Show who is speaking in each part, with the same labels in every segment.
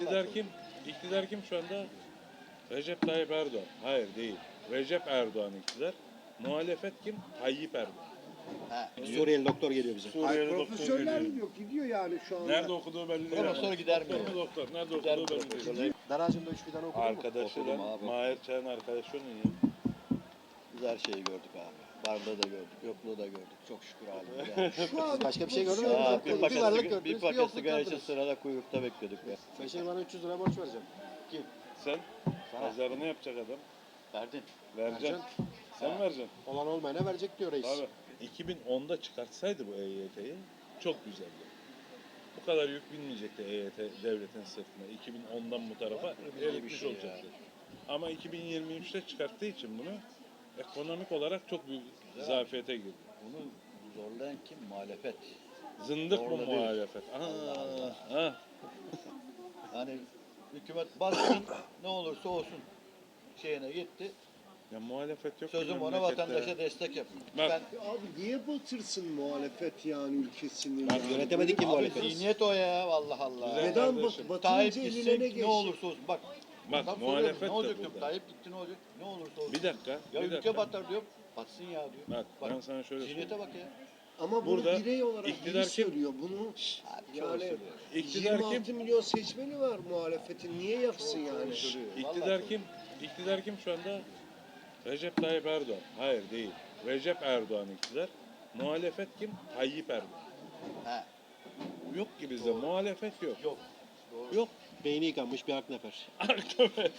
Speaker 1: İktidar kim? İktidar kim şu anda? Recep Tayyip Erdoğan. Hayır değil. Recep Erdoğan iktidar. Muhalefet kim? Tayyip Erdoğan.
Speaker 2: Suriyeli doktor geliyor bize.
Speaker 1: Suriyeli doktor
Speaker 3: Profesörler
Speaker 1: geliyor.
Speaker 3: gidiyor, gidiyor yani şu anda.
Speaker 1: Nerede okuduğu belli değil.
Speaker 4: Profesör gider mi?
Speaker 1: Doktor mu doktor? Nerede
Speaker 4: Gider
Speaker 1: okuduğu
Speaker 4: mi
Speaker 1: belli değil.
Speaker 2: Daracım'da 3 fidan okudun mu?
Speaker 1: Arkadaşı
Speaker 4: Okudum
Speaker 1: da
Speaker 4: abi.
Speaker 1: Mahir Çağ'ın arkadaşı onun ya.
Speaker 4: Biz her şeyi gördük abi. Varlığı da gördük, yokluğu da gördük. Çok şükür halimize.
Speaker 3: Şu an
Speaker 2: Başka bir şey gördün mü?
Speaker 3: profesörler
Speaker 4: Bir
Speaker 2: Bir
Speaker 4: paket,
Speaker 2: varlık
Speaker 4: bir
Speaker 2: gördünüz, bir
Speaker 4: paket
Speaker 2: yokluk
Speaker 4: sigara için
Speaker 2: gördünüz.
Speaker 4: sırada kuyrukta bekliyorduk be.
Speaker 2: Sen şimdi bana 300 lira borç vereceğim.
Speaker 1: Sen
Speaker 4: Sana.
Speaker 1: pazarını yapacak adam.
Speaker 4: Verdin.
Speaker 1: Vereceksin. Sen
Speaker 4: Ha.
Speaker 1: vereceksin.
Speaker 2: Olan olmayana verecek diyor reis.
Speaker 1: Abi 2010'da çıkartsaydı bu EYT'yi çok güzeldi. Bu kadar yük binmeyecekti EYT devletin sırtına. 2010'dan bu tarafa
Speaker 4: bir
Speaker 1: eritmiş
Speaker 4: şey ya.
Speaker 1: olacaktı. Ama 2023'te çıkarttığı için bunu ekonomik olarak çok büyük zafiyete girdi.
Speaker 4: Bunu zorlayan kim? Muhalefet.
Speaker 1: Zındık bu
Speaker 4: Zorla değil.
Speaker 1: muhalefet.
Speaker 4: Allah Allah.
Speaker 1: Ha.
Speaker 4: Hani hükümet bassın ne olursa olsun şeyine gitti.
Speaker 1: Ya muhalefet yok.
Speaker 4: Sözüm
Speaker 1: ki
Speaker 4: ona
Speaker 1: memlekette.
Speaker 4: vatandaşa destek yapın.
Speaker 1: Bak.
Speaker 4: Ben
Speaker 3: Abi niye batırsın muhalefet yani ülkesini?
Speaker 1: Bak,
Speaker 3: yani?
Speaker 2: yönetemedik ki
Speaker 3: Abi,
Speaker 2: muhalefet.
Speaker 4: zihniyet o ya vallahi Allah.
Speaker 1: Güzel.
Speaker 3: Neden
Speaker 1: Kardeşim.
Speaker 4: Tayyip
Speaker 3: batırınca
Speaker 4: gitsin
Speaker 3: eline ne
Speaker 4: ne
Speaker 3: geçecek?
Speaker 4: olursa olsun. Bak
Speaker 1: Bak
Speaker 4: adam
Speaker 1: muhalefet
Speaker 4: soruyor,
Speaker 1: de
Speaker 4: ne olacak diyorum.
Speaker 1: burada.
Speaker 4: Tayyip gitti ne olacak? Ne olursa olsun.
Speaker 1: Bir dakika.
Speaker 4: Ya
Speaker 1: bir
Speaker 4: ülke
Speaker 1: dakika.
Speaker 4: batar diyor. Batsın ya diyor.
Speaker 1: Bak ben sana şöyle
Speaker 4: Zihniyete bak ya.
Speaker 3: Ama bunu
Speaker 1: Burada
Speaker 3: birey olarak
Speaker 1: iktidar
Speaker 3: biri
Speaker 1: kim?
Speaker 3: söylüyor. Bunu
Speaker 4: Abi çoğu
Speaker 3: yani
Speaker 4: söylüyor.
Speaker 1: İktidar
Speaker 3: 26
Speaker 1: kim?
Speaker 3: milyon seçmeni var muhalefetin. Niye yapsın yani?
Speaker 4: Söylüyor.
Speaker 1: İktidar
Speaker 4: Vallahi
Speaker 1: kim? İktidar kim şu anda? Recep Tayyip Erdoğan. Hayır değil. Recep Erdoğan iktidar. Muhalefet kim? Tayyip Erdoğan.
Speaker 4: He.
Speaker 1: Yok ki bizde muhalefet yok.
Speaker 4: Yok. Doğru.
Speaker 1: Yok.
Speaker 2: Beyni yıkanmış bir aknefer.
Speaker 1: Arkadaş.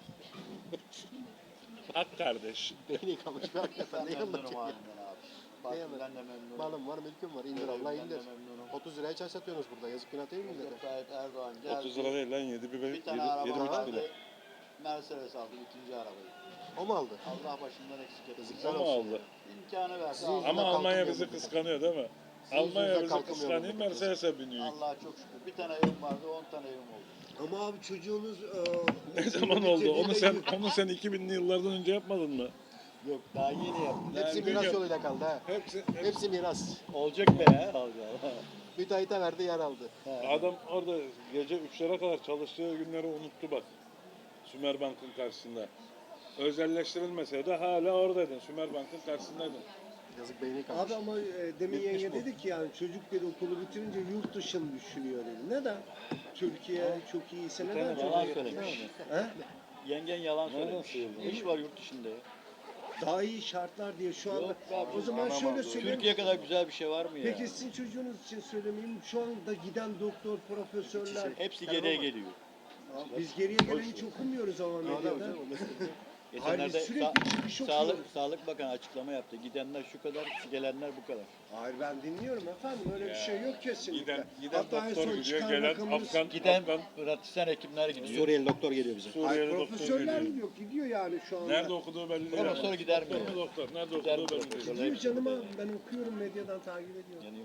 Speaker 1: Ak kardeş.
Speaker 2: Beyni yıkanmış bir aknefer.
Speaker 4: Ben
Speaker 2: Ne
Speaker 4: memnunum
Speaker 2: anlatacak ya?
Speaker 4: halimden abi. Bak
Speaker 2: Ne
Speaker 4: ben de memnunum.
Speaker 2: Malım var, mülküm var. İndir Allah
Speaker 4: Ben de
Speaker 2: indir.
Speaker 4: memnunum.
Speaker 2: 30 liraya çay satıyorsunuz burada. Yazık günah değil mi millete?
Speaker 4: Recep Tayyip Erdoğan geldi.
Speaker 1: 30 lira değil lan 7 bir
Speaker 4: Bir tane araba
Speaker 1: 7,5
Speaker 4: aldı.
Speaker 1: bile.
Speaker 4: Mercedes aldı ikinci arabayı.
Speaker 2: O mu aldı?
Speaker 4: Allah başından eksik etsin.
Speaker 2: Yazıklar
Speaker 1: Ama
Speaker 2: olsun.
Speaker 1: aldı.
Speaker 4: İmkanı verdi.
Speaker 2: Sizin
Speaker 4: aldı.
Speaker 1: Ama
Speaker 2: Yüzünden
Speaker 1: Almanya
Speaker 2: kalkmıyor
Speaker 1: bizi
Speaker 2: bu
Speaker 1: kıskanıyor değil mi?
Speaker 2: Sizin
Speaker 1: Almanya
Speaker 2: yüzünden
Speaker 1: bizi
Speaker 2: kalkmıyor
Speaker 1: kıskanıyor.
Speaker 2: bu.
Speaker 1: Mercedes'e biniyor.
Speaker 4: Allah'a çok şükür. Bir tane evim vardı 10 tane evim oldu.
Speaker 3: Ama abi çocuğunuz
Speaker 1: Ne zaman oldu? Onu sen 2000'li yıllardan önce yapmadın mı?
Speaker 4: Yok daha yeni yaptım.
Speaker 2: Hepsi
Speaker 1: Yani
Speaker 2: miras
Speaker 1: biliyorum.
Speaker 2: yoluyla kaldı ha.
Speaker 1: Hepsi.
Speaker 2: Hepsi miras.
Speaker 4: Olacak be ya. Allah.
Speaker 2: Müteahhite verdi yer aldı.
Speaker 1: Adam orada gece 3'lere kadar çalıştığı günleri unuttu bak. Sümerbank'ın karşısında. Özelleştirilmeseydi hala oradaydın. Sümerbank'ın karşısındaydın.
Speaker 2: Yazık beyni yıkanmış.
Speaker 3: Abi ama demin
Speaker 1: Bitmiş
Speaker 3: yenge
Speaker 1: bu.
Speaker 3: dedi ki yani çocuk dedi okulu bitirince yurt dışını düşünüyor dedi. Neden? Türkiye çok iyiyse neden
Speaker 1: tane
Speaker 4: Yalan
Speaker 3: çocuk
Speaker 4: söylemiş.
Speaker 3: He?
Speaker 4: Yengen yalan
Speaker 1: Nereden
Speaker 4: söylemiş.
Speaker 1: sıyırdın?
Speaker 4: İş var yurt dışında ya.
Speaker 3: Daha iyi şartlar diye şu anda.
Speaker 4: Yok abi,
Speaker 3: O zaman
Speaker 1: anam
Speaker 3: şöyle
Speaker 1: aldı.
Speaker 3: söyleyeyim.
Speaker 4: Türkiye kadar güzel bir şey var mı ya?
Speaker 3: Peki sizin çocuğunuz için söylemeyeyim. Şu anda giden doktor, profesörler.
Speaker 4: Hepsi geriye geliyor.
Speaker 3: Biz geriye gelen hiç okumuyoruz ama medyada.
Speaker 4: Geçenlerde
Speaker 3: Hayır, sürekli çıkış okuyoruz.
Speaker 4: Sağlık Bakanı açıklama yaptı. Gidenler şu kadar, gelenler bu kadar.
Speaker 3: Hayır ben dinliyorum efendim. Öyle bir şey yok kesinlikle.
Speaker 1: Giden
Speaker 3: Hatta en
Speaker 1: doktor
Speaker 3: son
Speaker 1: gidiyor,
Speaker 3: çıkan
Speaker 1: gelen
Speaker 3: rakamımız-
Speaker 1: Afgan,
Speaker 4: Giden
Speaker 1: Afgan
Speaker 4: pratisyen hekimler gidiyor.
Speaker 2: Suriyeli doktor geliyor bize.
Speaker 3: Hayır,
Speaker 1: Suriyeli doktor
Speaker 3: profesörler
Speaker 1: geliyor.
Speaker 3: gidiyor. Gidiyor yani şu anda.
Speaker 1: Nerede okuduğu belli değil.
Speaker 4: Profesör gider mi?
Speaker 1: Doktor mu doktor? Nerede
Speaker 4: Gider
Speaker 1: okuduğu
Speaker 4: mi
Speaker 1: belli değil.
Speaker 4: profesör?
Speaker 3: Gidiyor canım abi. Ben okuyorum medyadan takip ediyorum.
Speaker 4: Yani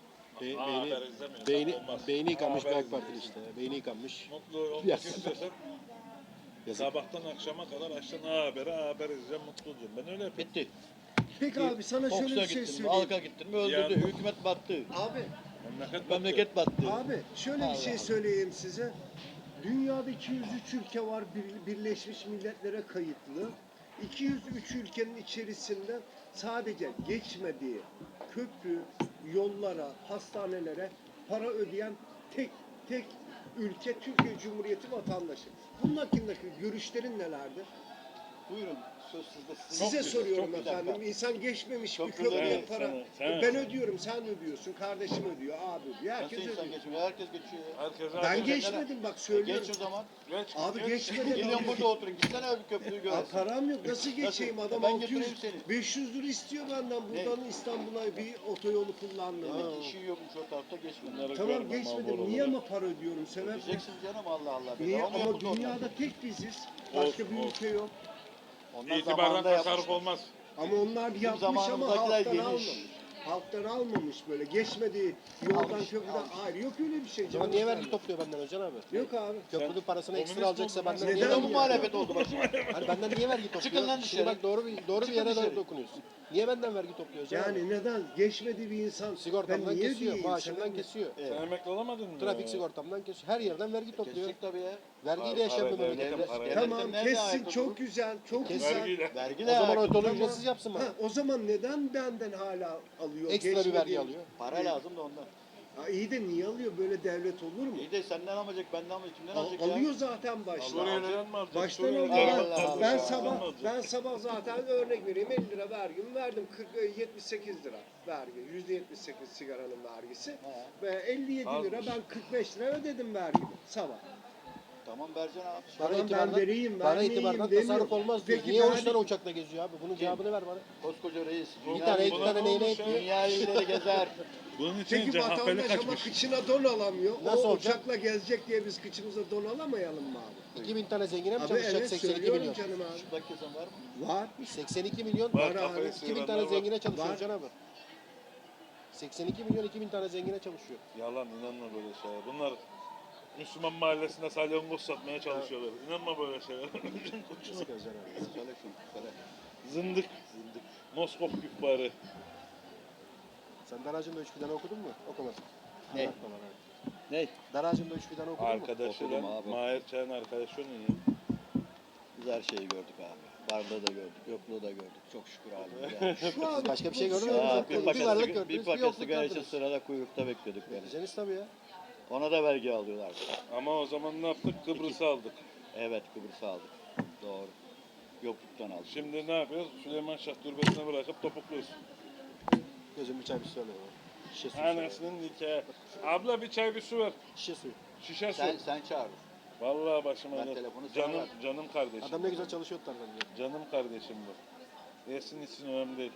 Speaker 1: Haber
Speaker 2: Beyni,
Speaker 1: izlemiyor.
Speaker 2: beyni,
Speaker 1: Olmaz.
Speaker 2: beyni yıkanmış bir
Speaker 1: Haber
Speaker 2: AK Partili
Speaker 1: izlemiyor.
Speaker 2: işte. Beyni yıkanmış.
Speaker 1: Mutlu olmak
Speaker 2: Yes.
Speaker 1: istiyorsan
Speaker 2: Yazık.
Speaker 1: sabahtan akşama kadar açtın haber izleyeceğim mutlu olacağım. Ben öyle yapıyorum.
Speaker 4: bitti.
Speaker 3: Peki abi sana şöyle
Speaker 4: Fox'a
Speaker 3: bir şey
Speaker 4: gittin mi,
Speaker 3: söyleyeyim.
Speaker 4: Halk'a gittin mi öldürdü.
Speaker 1: Yani-
Speaker 4: Hükümet battı.
Speaker 3: Abi,
Speaker 4: Memleket battı.
Speaker 3: abi şöyle bir
Speaker 4: Allah
Speaker 3: şey
Speaker 4: Allah.
Speaker 3: söyleyeyim size. Dünyada 203 ülke var Birleşmiş Milletler'e kayıtlı. 203 ülkenin içerisinde sadece geçmediği köprü, yollara, hastanelere para ödeyen tek ülke Türkiye Cumhuriyeti vatandaşı. Bunun hakkındaki görüşlerin nelerdir?
Speaker 4: Buyurun söz sizde.
Speaker 3: Size
Speaker 1: güzel,
Speaker 3: soruyorum
Speaker 4: çok güzel.
Speaker 3: efendim. İnsan geçmemiş
Speaker 4: Çok
Speaker 3: bir
Speaker 4: güzel.
Speaker 3: köprüye
Speaker 1: Evet,
Speaker 3: para.
Speaker 1: sen-
Speaker 3: Ben ödüyorum, sen ödüyorsun, kardeşim ödüyor, abi ödüyor.
Speaker 4: Nasıl
Speaker 3: Herkes
Speaker 4: insan
Speaker 3: ödüyor.
Speaker 4: geçmiyor? Herkes geçiyor. ya.
Speaker 1: Herkese
Speaker 3: Ben geçmedim bak söylüyorum.
Speaker 4: Geç o zaman.
Speaker 3: Abi geçmedim.
Speaker 4: Gelin burada oturun. Gitsene abi köprüyü
Speaker 3: Ya
Speaker 4: göresin.
Speaker 3: param yok. Nasıl geçeyim
Speaker 4: Nasıl?
Speaker 3: adam
Speaker 4: Ben
Speaker 3: 600
Speaker 4: götüreyim seni.
Speaker 3: 500 lira istiyor benden buradan İstanbul'a bir otoyolu kullandım.
Speaker 4: Demek ki işin yokmuş o tarafta geçmedi.
Speaker 3: Tamam geçmedim. Niye ama para ödüyorum sebep? ne?
Speaker 4: Diyeceksin canım Allah Allah.
Speaker 3: Niye?
Speaker 4: Bedava
Speaker 3: Ama
Speaker 4: yapıldı onlar.
Speaker 3: dünyada tek biziz. Başka bir
Speaker 1: Olsun,
Speaker 3: ülke yok.
Speaker 4: Onlar
Speaker 1: İtibardan
Speaker 4: zamanında
Speaker 1: tasarruf
Speaker 4: yapmışlar.
Speaker 1: olmaz.
Speaker 3: Ama onlar bir yapmış ama
Speaker 4: zamanımızdakiler
Speaker 3: halktan
Speaker 4: geniş.
Speaker 3: almamış. halktan almamış böyle. Geçmediği yoldan
Speaker 2: Almış,
Speaker 3: köprüden.
Speaker 2: almış.
Speaker 3: Hayır yok öyle bir şey.
Speaker 2: O zaman niye vergi topluyor benden Özcan abi?
Speaker 3: Yok abi.
Speaker 2: Köprünün parasını
Speaker 1: komünist
Speaker 2: ekstra alacaksa
Speaker 1: oldun lan.
Speaker 2: benden
Speaker 3: Neden
Speaker 2: niye
Speaker 3: ya?
Speaker 2: vergi muhalefet oldu bak şimdi? Hani benden niye vergi topluyor?
Speaker 4: Çıkın lan
Speaker 2: Şimdi
Speaker 4: dışarı.
Speaker 2: bak doğru bir
Speaker 4: Çıkın
Speaker 2: yere
Speaker 4: dışarı.
Speaker 2: dokunuyorsun. Niye benden vergi topluyor Özcan abi?
Speaker 3: Yani neden? Geçmediği bir insan.
Speaker 2: Sigortamdan
Speaker 3: ben niye
Speaker 2: kesiyor,
Speaker 3: diyeyim
Speaker 2: maaşımdan
Speaker 3: sana?
Speaker 2: kesiyor.
Speaker 1: Sen emekli olamadın mı?
Speaker 2: Trafik sigortamdan kesiyor. Her yerden vergi topluyor.
Speaker 4: Kesecek tabii ya.
Speaker 2: Vergiyle yaşayan bir
Speaker 1: Para-
Speaker 2: memleket.
Speaker 1: devletin para-
Speaker 3: Tamam
Speaker 4: Nerede
Speaker 3: kessin
Speaker 4: ayakta
Speaker 3: çok
Speaker 4: durur?
Speaker 3: güzel. Çok
Speaker 2: Kes.
Speaker 3: güzel.
Speaker 1: Vergiyle.
Speaker 4: Vergi
Speaker 2: O
Speaker 4: de
Speaker 2: zaman o
Speaker 4: ayakta
Speaker 2: tonu
Speaker 4: durur.
Speaker 2: ücretsiz yapsın bana.
Speaker 3: Ha, o zaman neden benden hala alıyor?
Speaker 2: Ekstra bir vergi
Speaker 3: Geçmediği-
Speaker 2: alıyor.
Speaker 4: Para lazım da ondan.
Speaker 3: Ha, iyi de niye alıyor? Böyle devlet olur mu?
Speaker 4: İyi de senden almayacak, benden almayacak. Kimden alacak ya?
Speaker 3: Alıyor zaten baştan.
Speaker 1: Suriyeli'den mi alacak?
Speaker 3: Baştan
Speaker 1: Suriyeli'den
Speaker 3: alıyor.
Speaker 1: mi
Speaker 4: Allah
Speaker 1: alacak?
Speaker 4: Allah.
Speaker 3: Ben
Speaker 1: Suriyeli'den mi
Speaker 3: sabah
Speaker 1: alacak?
Speaker 3: ben sabah zaten örnek vereyim 50 lira vergimi verdim. 78 lira vergi. %78 sigaranın vergisi.
Speaker 4: Ha.
Speaker 3: Ve 57 lira
Speaker 1: Azmış.
Speaker 3: ben 45 lira ödedim vergimi sabah.
Speaker 4: Tamam vereceksin abi.
Speaker 2: Bana
Speaker 3: Tamam, ben vereyim,
Speaker 2: bana
Speaker 3: vermeyeyim
Speaker 2: itibardan
Speaker 3: demiyorum.
Speaker 2: tasarruf olmaz diyor.
Speaker 3: Peki
Speaker 2: Niye
Speaker 3: ben-
Speaker 2: 13 tane uçakla geziyor abi? Bunun cevabını ver bana.
Speaker 4: Koskoca reis.
Speaker 1: Bu-
Speaker 2: Bir tane, iki
Speaker 1: buna
Speaker 2: tane
Speaker 1: ne
Speaker 2: neyine
Speaker 1: olmuş ya?
Speaker 2: etmiyor?
Speaker 4: Dünya illeri gezer.
Speaker 1: Bunun için
Speaker 3: Peki
Speaker 1: CHP'li
Speaker 3: vatandaş ama
Speaker 1: kaçmış.
Speaker 3: kıçına don alamıyor.
Speaker 2: Nasıl
Speaker 3: o
Speaker 2: olacak?
Speaker 3: uçakla gezecek diye biz kıçımıza don alamayalım mı abi?
Speaker 2: 2000 tane zengine mi
Speaker 3: Abi
Speaker 2: çalışacak
Speaker 3: evet
Speaker 2: 82
Speaker 3: söylüyorum
Speaker 2: milyon?
Speaker 3: canım abi.
Speaker 4: Şurada kesen var mı?
Speaker 3: Var.
Speaker 2: 82 milyon
Speaker 1: Var,
Speaker 3: Var
Speaker 1: kafayı
Speaker 3: abi.
Speaker 2: 2000
Speaker 1: sıyıranlar
Speaker 2: tane
Speaker 1: var.
Speaker 2: zengine çalışıyor
Speaker 3: Var.
Speaker 2: Can abi. 82 milyon 2000 tane zengine çalışıyor.
Speaker 1: Yalan, inanma böyle şeyler. Bunlar Müslüman mahallesinde salyangoz satmaya çalışıyorlar. İnanma böyle şeyler.
Speaker 2: Sık Özcan abi.
Speaker 4: Söyle şunu. Söyle.
Speaker 1: Zındık. Moskov küpbarı.
Speaker 2: Sen Daracı'nda 3 fidan okudun mu? Okumadın.
Speaker 4: Ne?
Speaker 2: Anlatma bana.
Speaker 4: Ne?
Speaker 2: Daracı'nda 3 fidan okudun mu?
Speaker 1: Arkadaşıyla
Speaker 4: Okudum abi.
Speaker 1: Mahir Çay'ın arkadaşı onun ya.
Speaker 4: Biz her şeyi gördük abi. Varlığı da gördük, yokluğu da gördük. Çok şükür abi.
Speaker 3: Şu an
Speaker 2: Başka bir şey gördün mü?
Speaker 3: şu an-
Speaker 4: Ya, bir
Speaker 2: Bir varlık gördünüz,
Speaker 4: bir
Speaker 2: bir
Speaker 4: paket
Speaker 2: yokluk
Speaker 4: sigara için
Speaker 2: gördünüz.
Speaker 4: sırada kuyrukta bekliyorduk yani.
Speaker 2: Vereceğiniz tabii ya.
Speaker 4: Ona da vergi alıyorlar.
Speaker 1: Ama o zaman ne yaptık? Kıbrıs'ı aldık.
Speaker 4: Evet, Kıbrıs'ı aldık. Doğru. Yokluktan aldık.
Speaker 1: Şimdi ne yapıyoruz? Süleyman Şah türbesine bırakıp topukluyoruz.
Speaker 2: Gözüm bir çay bir su alayım abi. Şişe suyu. söyle.
Speaker 1: Anasının nikahı. Abla bir çay bir su ver.
Speaker 2: Şişe suyu.
Speaker 1: Şişe su.
Speaker 4: Sen çağır.
Speaker 1: Vallahi başıma
Speaker 4: Ben
Speaker 1: dert.
Speaker 4: telefonu sana
Speaker 1: Canım,
Speaker 4: verdim.
Speaker 1: canım kardeşim.
Speaker 2: Adam ne güzel çalışıyor tarafından.
Speaker 1: Canım kardeşim bu. Yesin içsin önemli değil.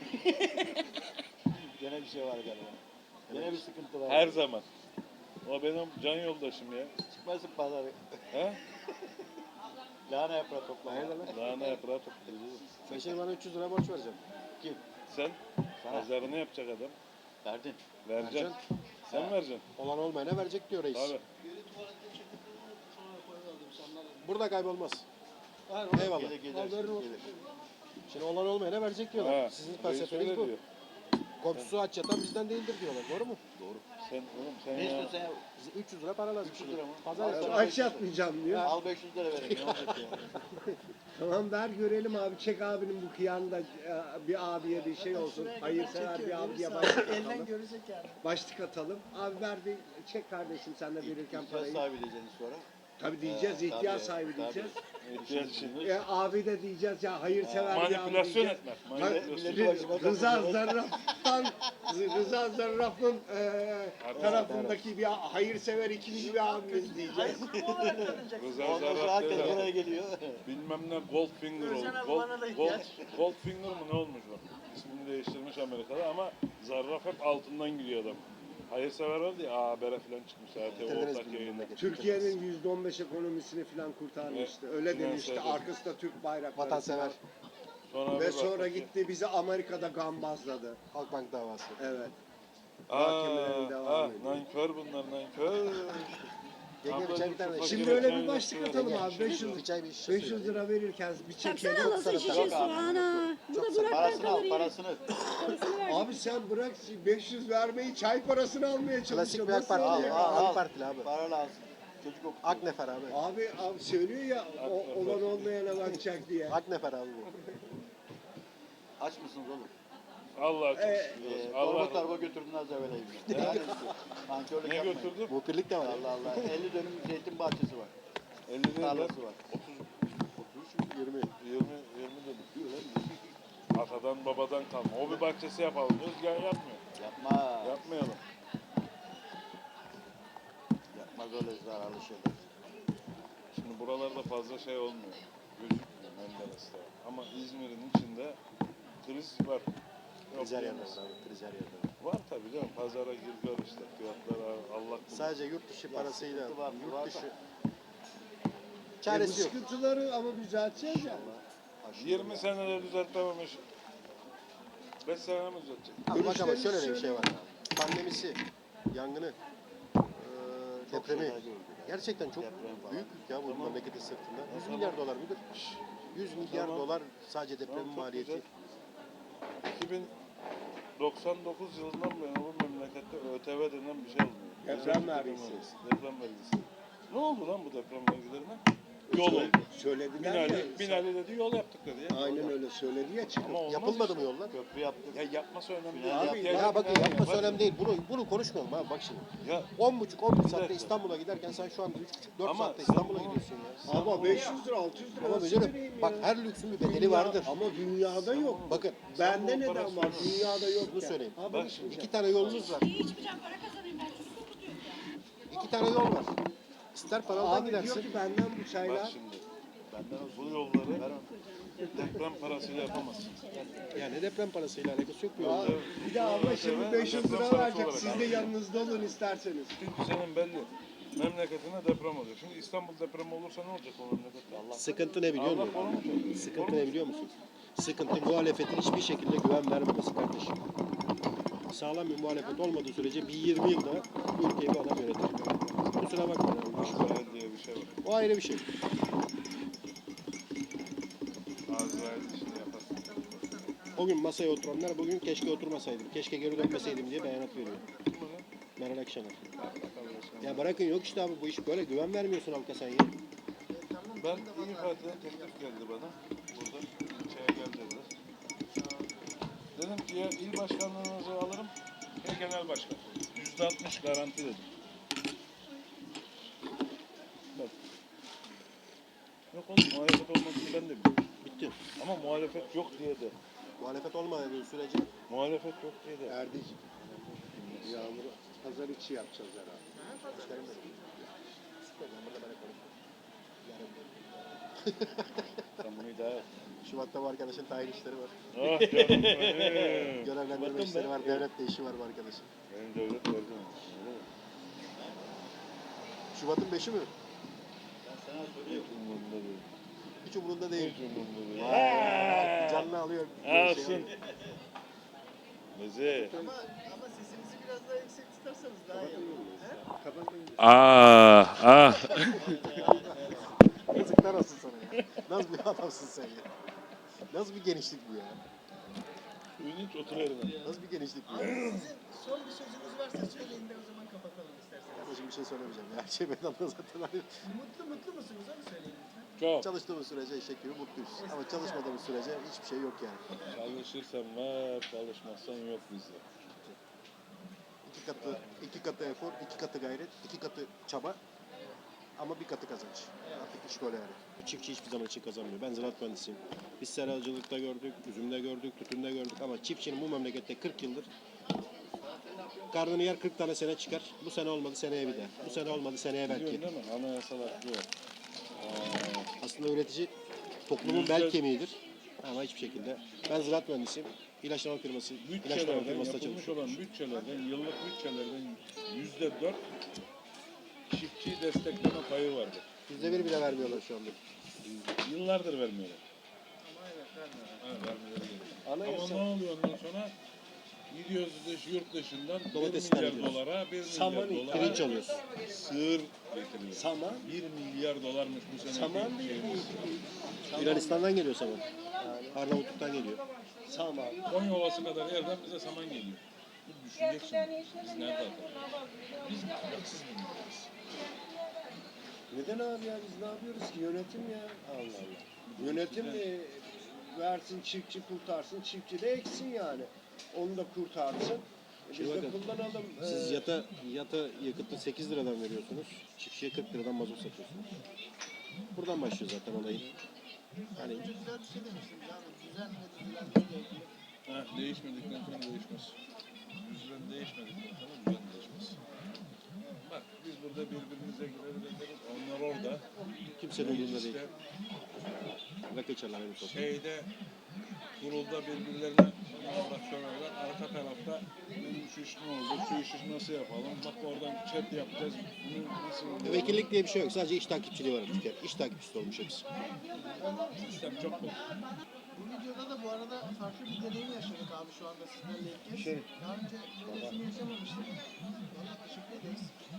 Speaker 4: Gene bir şey var galiba. Gene bir sıkıntı var.
Speaker 1: Her zaman. O benim can yoldaşım ya.
Speaker 4: Çıkmasın pazarı.
Speaker 1: He?
Speaker 4: Lahana yaprağı toplama.
Speaker 2: Hayırdır lan?
Speaker 1: Lahana yaprağı toplayacağız.
Speaker 2: Sen şimdi bana 300 lira borç vereceksin.
Speaker 4: Kim?
Speaker 1: Sen
Speaker 4: Sana.
Speaker 1: pazarını yapacak adam.
Speaker 4: Verdin.
Speaker 1: Vereceksin.
Speaker 2: Vereceksin.
Speaker 1: Sen
Speaker 4: Ha.
Speaker 1: vereceksin.
Speaker 2: Olan olmayana verecek diyor reis.
Speaker 1: Tabii.
Speaker 2: Burada kaybolmaz. Eyvallah.
Speaker 4: Gelir gelir.
Speaker 2: Al, veririm.
Speaker 4: gelir.
Speaker 2: Şimdi olan olmayana verecek diyorlar.
Speaker 1: Ha,
Speaker 2: Sizin
Speaker 1: reis
Speaker 2: felsefeniz
Speaker 1: öyle
Speaker 2: bu.
Speaker 1: diyor.
Speaker 2: Komşusu aç yatan bizden değildir diyorlar. Doğru mu?
Speaker 4: Doğru.
Speaker 1: Sen oğlum sen
Speaker 4: Ne
Speaker 1: ya.
Speaker 4: istiyorsun sen ya?
Speaker 2: Bize 300 lira para lazım.
Speaker 4: 300
Speaker 2: şimdi.
Speaker 4: lira mı?
Speaker 2: Pazar
Speaker 4: Al
Speaker 2: yapacağız.
Speaker 4: sana
Speaker 3: Aç
Speaker 4: 500 lira.
Speaker 3: yatmayacağım diyor.
Speaker 4: Al 500 lira verelim. Ne olacak ya?
Speaker 3: Tamam ver görelim abi. Çek abinin bu kıyanda bir abiye bir şey olsun. Hayırsever bir abiye başlık atalım.
Speaker 5: görecek yani.
Speaker 3: Başlık atalım. Abi ver bir çek kardeşim sen de verirken
Speaker 4: İhtiyaç
Speaker 3: parayı.
Speaker 4: sahibi diyeceğiz sonra.
Speaker 3: Tabii diyeceğiz
Speaker 4: Tabii,
Speaker 3: ihtiyaç sahibi
Speaker 4: tabii.
Speaker 3: diyeceğiz.
Speaker 1: İhtiyaç için.
Speaker 3: Abi de diyeceğiz ya hayırsever bir abi
Speaker 1: Manipülasyon
Speaker 3: diyeceğiz.
Speaker 1: etmek.
Speaker 3: Ha,
Speaker 1: Manipülasyon.
Speaker 3: Rıza Zarraf'tan Rıza Zarraf'ın tarafındaki bir hayırsever ikinci bir abimiz diyeceğiz.
Speaker 1: Rıza
Speaker 4: Ondan sonra
Speaker 1: Zarrab
Speaker 4: herkes
Speaker 1: değil
Speaker 4: buraya
Speaker 1: abi.
Speaker 4: geliyor.
Speaker 1: Bilmem ne Goldfinger oldu.
Speaker 5: Özcan abi bana da ihtiyaç.
Speaker 1: Goldfinger mı ne olmuş bu? İsmini değiştirmiş Amerika'da ama Zarraf hep altından gidiyor adam. Hayırsever vardı ya Haber'e falan çıkmış zaten
Speaker 2: Bitirdiniz
Speaker 1: ortak
Speaker 2: bir
Speaker 1: yayında.
Speaker 2: memleketi.
Speaker 3: Türkiye'nin %15 ekonomisini falan kurtarmıştı. Öyle demişti.
Speaker 1: Finansörde.
Speaker 3: Arkasında Türk bayrakları.
Speaker 2: Vatansever.
Speaker 1: Sonra
Speaker 3: Ve
Speaker 1: bir
Speaker 3: sonra
Speaker 1: baktık ki-
Speaker 3: gitti bizi Amerika'da gambazladı.
Speaker 2: Halkbank davası.
Speaker 3: Evet.
Speaker 1: Aa,
Speaker 3: Mahkemelerin devamı.
Speaker 1: nankör bunlar nankör.
Speaker 2: Yenge bir çay bir tane.
Speaker 3: Şimdi öyle bir başlık atalım abi.
Speaker 2: Bir
Speaker 3: 500
Speaker 2: çay bir şişe
Speaker 3: 500 lira verirken bir çekelim.
Speaker 5: Baksana nasıl şişe
Speaker 4: Yok
Speaker 5: su
Speaker 4: abi.
Speaker 5: ana. Bu da Burak'tan
Speaker 4: Parasını
Speaker 5: kalır
Speaker 4: al
Speaker 5: yine.
Speaker 4: parasını.
Speaker 5: Parasını ver.
Speaker 3: Abi sen bırak 500 vermeyi çay parasını almaya
Speaker 2: Klasik
Speaker 3: çalışıyorsun.
Speaker 2: bir AK
Speaker 3: Nasıl
Speaker 2: Partili.
Speaker 3: oluyor?
Speaker 2: AK Partili abi.
Speaker 4: Para lazım. Çocuk okuyor.
Speaker 2: Aknefer abi.
Speaker 3: Abi söylüyor ya olan olmayana bakacak diye.
Speaker 2: Aknefer abi bu.
Speaker 4: Aç mısınız oğlum?
Speaker 1: Allah çok
Speaker 3: Ee,
Speaker 1: şükür.
Speaker 4: Torba
Speaker 1: Allah
Speaker 4: torba götürdün az evveleyim. Nankörlük
Speaker 1: ne
Speaker 4: yapmayın.
Speaker 1: götürdüm?
Speaker 2: Muhbirlik de var.
Speaker 4: Allah Allah. 50 dönüm zeytin bahçesi var.
Speaker 1: 50 değil lan.
Speaker 4: Tarlası var.
Speaker 2: 20.
Speaker 1: 20 dedim. Atadan babadan kalma. Hobi bahçesi yapalım. Özgen yapmıyor.
Speaker 4: Yapma.
Speaker 1: Yapmayalım.
Speaker 4: Yapmaz öyle zararlı şeyler.
Speaker 1: Şimdi buralarda fazla şey olmuyor. Gözükmüyor Menderes'te. Ama İzmir'in içinde kriz var. Yok
Speaker 2: Krizer
Speaker 1: diyemez.
Speaker 2: yerler abi. Krizer yerler.
Speaker 1: Var tabii canım. Pazara gir gör işte. Fiyatlar Allah bilir.
Speaker 2: Sadece yurt dışı parasıyla,
Speaker 4: sıkıntı var, var
Speaker 2: yurt
Speaker 4: da.
Speaker 2: dışı
Speaker 3: Bu
Speaker 2: çaresi yok.
Speaker 3: sıkıntıları ama düzelteceğiz ya.
Speaker 1: 20 senede düzeltmememiş 5 sene mi uzatacak?
Speaker 2: Abi bak ama
Speaker 3: Görüşlerinizi
Speaker 2: şöyle de bir şey
Speaker 3: söyleyin.
Speaker 2: var. Pandemisi, yangını, depremi. Gerçekten çok büyük yük ya bu memleketin sırtında. 100 milyar dolar mıdır? 100 milyar
Speaker 1: Tamam.
Speaker 2: dolar sadece depremin
Speaker 1: Tamam, çok
Speaker 2: maliyeti.
Speaker 1: güzel. 2099 yılından bu yana bu memlekette ÖTV denen bir şey olmuyor.
Speaker 3: Deprem
Speaker 1: Özel
Speaker 3: vergisi.
Speaker 1: Deprem vergisi. Ne oldu lan bu deprem vergilerine? Yol oldu.
Speaker 3: Söylediler ya.
Speaker 1: Binali dedi yol yaptık dedi ya.
Speaker 3: Aynen öyle söyledi ya çıkıp.
Speaker 1: Ama olmaz
Speaker 2: Yapılmadı
Speaker 1: işte.
Speaker 2: mı yollar?
Speaker 4: Köprü yaptık.
Speaker 1: Ya yapması önemli
Speaker 4: Abi,
Speaker 1: değil.
Speaker 3: ya
Speaker 2: Ya bakın
Speaker 1: Yapacak
Speaker 2: yapması
Speaker 1: binali
Speaker 2: önemli değil. Bunu konuşmayalım abi bak şimdi.
Speaker 1: Ya
Speaker 2: 10,5-11 saatte
Speaker 1: dakika.
Speaker 2: İstanbul'a giderken sen şu anda 3,5-4
Speaker 1: Ama
Speaker 2: saatte
Speaker 1: sen
Speaker 2: İstanbul'a
Speaker 1: bunu-
Speaker 2: gidiyorsun ya.
Speaker 3: Ama 500 lira 600 lira
Speaker 2: Ama
Speaker 3: nasıl
Speaker 2: müdürüm
Speaker 3: vereyim
Speaker 2: bak
Speaker 3: ya?
Speaker 2: her lüksün bir bedeli
Speaker 3: Dünya-
Speaker 2: vardır.
Speaker 3: Ama dünyada yok.
Speaker 2: Bakın
Speaker 3: Bende
Speaker 1: bu
Speaker 3: neden
Speaker 1: parası
Speaker 3: var?
Speaker 1: var.
Speaker 3: Dünyada yok.
Speaker 2: Şunu söyleyeyim.
Speaker 3: Abi
Speaker 1: Bak
Speaker 3: içmeyeceğim.
Speaker 2: 2 tane yolunuz var.
Speaker 5: İçmeyeceğim, para kazanayım ben. Çocuk okutuyorum ya.
Speaker 2: 2 tane yol var. İster paradan
Speaker 3: Abi diyor
Speaker 2: gidersin.
Speaker 3: ki benden bu
Speaker 1: bak
Speaker 3: çaylar.
Speaker 1: şimdi. Bu yolları deprem parasıyla yapamazsın.
Speaker 2: Yani deprem parasıyla alakası yok bu
Speaker 3: Aa,
Speaker 2: yolda.
Speaker 3: bir de abla şimdi
Speaker 1: Evet,
Speaker 3: 500
Speaker 1: deprem
Speaker 3: lira
Speaker 1: parası
Speaker 3: verecek.
Speaker 1: olarak
Speaker 3: Siz de
Speaker 1: aldım.
Speaker 3: yanınızda olun isterseniz.
Speaker 1: Çünkü senin belli. Memleketine deprem olacak. Şimdi İstanbul depremi olursa ne olacak o memlekette? Allah
Speaker 2: Sıkıntı ne biliyor
Speaker 1: Allah
Speaker 2: musun?
Speaker 1: koruyacak.
Speaker 2: Sıkıntı ne biliyor musun? Sıkıntı muhalefetin hiçbir şekilde güven vermemesi kardeşim. Sağlam bir muhalefet olmadığı sürece bir 20 yılda bu ülkeyi bu adam yönetir. Kusura bakma.
Speaker 1: Azrail diye bir şey var.
Speaker 2: O ayrı bir şey.
Speaker 1: Azrail işini yapar.
Speaker 2: O gün masaya oturanlar bugün keşke oturmasaydım, keşke geri dönmeseydim diye beyanat veriyor.
Speaker 1: Kim bu lan?
Speaker 2: Meral Akşener.
Speaker 1: Bakalım sen.
Speaker 2: Ya bırakın yok işte abi bu iş böyle güven vermiyorsun halka sen ya.
Speaker 1: Ben İYİ Parti'den teklif geldi bana. Burada ilçeye gel dediler. Dedim ki ya il başkanlığınızı alırım ya genel başkan. %60 garanti dedim. Bak. Yok oğlum muhalefet olmadığını ben de biliyorum.
Speaker 2: Bitti.
Speaker 1: Ama muhalefet yok diye de.
Speaker 2: Muhalefet olmadığı sürece
Speaker 1: Muhalefet yok diye de.
Speaker 3: Erdiç. Yağmur pazar içi yapacağız herhalde.
Speaker 1: Sen bunu idare et.
Speaker 2: Şubat'ta bu arkadaşın tayin işleri var.
Speaker 1: Ah canım benim.
Speaker 2: Görevlendirme
Speaker 1: Bakın
Speaker 2: işleri
Speaker 1: be.
Speaker 2: var, devletle işi var bu arkadaşın.
Speaker 1: Benim devlet verdi mi?
Speaker 2: Şubat'ın 5'i mi?
Speaker 1: Hiç umurumda değil.
Speaker 2: Hiç umurunda değil.
Speaker 1: Hiç umurumda değil.
Speaker 2: Vay, canlı alıyor.
Speaker 1: Alsın. Meze.
Speaker 6: Ama sesinizi biraz daha yüksek tutarsanız daha iyi olur.
Speaker 1: Ah ah.
Speaker 2: Yazıklar olsun sana ya. Nasıl bir adamsın sen ya? Nasıl bir genişlik bu ya?
Speaker 1: Ünlüç otur yerine.
Speaker 2: Nasıl bir genişlik bu
Speaker 6: Abi
Speaker 2: ya?
Speaker 6: sizin son bir sözünüz varsa söyleyin de o zaman kapatalım isterseniz.
Speaker 2: Kardeşim bir şey söylemeyeceğim ya. Her şey bedava zaten. Hani
Speaker 6: Mutlu musunuz onu söyleyin lütfen.
Speaker 1: Çok.
Speaker 2: çalıştığımız sürece eşek gibi mutluyuz. Ama çalışmadığımız sürece hiçbir şey yok yani.
Speaker 1: Çalışırsan var, çalışmazsan yok bizde.
Speaker 2: İki katı efor, iki katı gayret, iki katı çaba ama bir katı kazanç. Artık iş böyle yani. Çiftçi hiçbir zaman için kazanmıyor. Ben ziraat mühendisiyim. Biz seracılıkta gördük, üzümde gördük, tütünde gördük ama çiftçinin bu memlekette 40 yıldır karnını yer 40 tane sene çıkar. Bu sene olmadı seneye bir der. Bu sene olmadı seneye belki.
Speaker 1: Biliyorsun değil mi? Anayasal hakkı var.
Speaker 2: Aslında üretici toplumun bel kemiğidir. Ama hiçbir şekilde. Ben ziraat mühendisiyim. İlaçlama firması, ilaçlama
Speaker 1: Bütçelerden,
Speaker 2: firmasında
Speaker 1: yapılmış
Speaker 2: çalışıyorum.
Speaker 1: olan bütçelerden, yıllık bütçelerden %4 çiftçiyi destekleme payı vardır.
Speaker 2: %1 bile vermiyorlar şu anda.
Speaker 1: Yıllardır vermiyorlar.
Speaker 6: Ama evet vermiyorum.
Speaker 1: Ha, vermeleri gerekiyor.
Speaker 2: Anayasa-
Speaker 1: Ama ne oluyor ondan sonra? Gidiyoruz yurt dışından 1
Speaker 2: Domatesler
Speaker 1: milyar
Speaker 2: gidiyoruz.
Speaker 1: dolara, 1
Speaker 3: Saman
Speaker 1: milyar dolara
Speaker 2: Pirinç alıyorsun.
Speaker 1: sığır getiriyor.
Speaker 3: Saman.
Speaker 1: 1 milyar dolarmış bu sene.
Speaker 3: Saman değil.
Speaker 2: Yunanistan'dan geliyor saman. Arnavutluk'tan geliyor.
Speaker 3: Saman.
Speaker 1: Konya Ovası kadar yerden bize saman geliyor. Bu düşünecek şimdi. Biz nerede atalım? Biz haksız mıyız?
Speaker 3: Neden abi ya biz ne yapıyoruz ki yönetim ya? Allah Allah. Yönetim versin çiftçi kurtarsın çiftçi de eksin yani. Onu da kurtarsın. Biz
Speaker 2: Şimdi
Speaker 3: de
Speaker 2: bakın,
Speaker 3: kullanalım.
Speaker 2: Siz yata yakıtı 8 liradan veriyorsunuz. Çiftçiye 40 liradan mazot satıyorsunuz. Buradan başlıyor zaten olayın. Hani
Speaker 6: Önce güzel bir şey demiştiniz abi. Düzen ve düzenle ilgili.
Speaker 1: Ha, değişmedikten sonra değişmez. Düzen değişmedikten sonra düzen değişmez. Bak biz burada birbirimize girebiliriz. Onlar orada.
Speaker 2: kimsenin umurunda değil.
Speaker 1: İşte
Speaker 2: Rakı içerler aynı sokakta.
Speaker 1: şeyde kurulda birbirlerine avrat söylerler. Arka tarafta benim şu iş ne oldu? Şu işi nasıl yapalım? Bak oradan chat yapacağız. Bunu nasıl yapalım?
Speaker 2: Vekillik diye bir şey yok. Sadece iş takipçiliği var bir kere. İş takipçisi olmuş hepsi.
Speaker 1: Sistem çok bol.
Speaker 6: Bu videoda da bu arada farklı bir deneyim yaşadık abi şu anda sizlerle ilk kez.
Speaker 3: Şey,
Speaker 6: Daha önce böylesini yaşamamıştık. Valla teşekkür ederiz.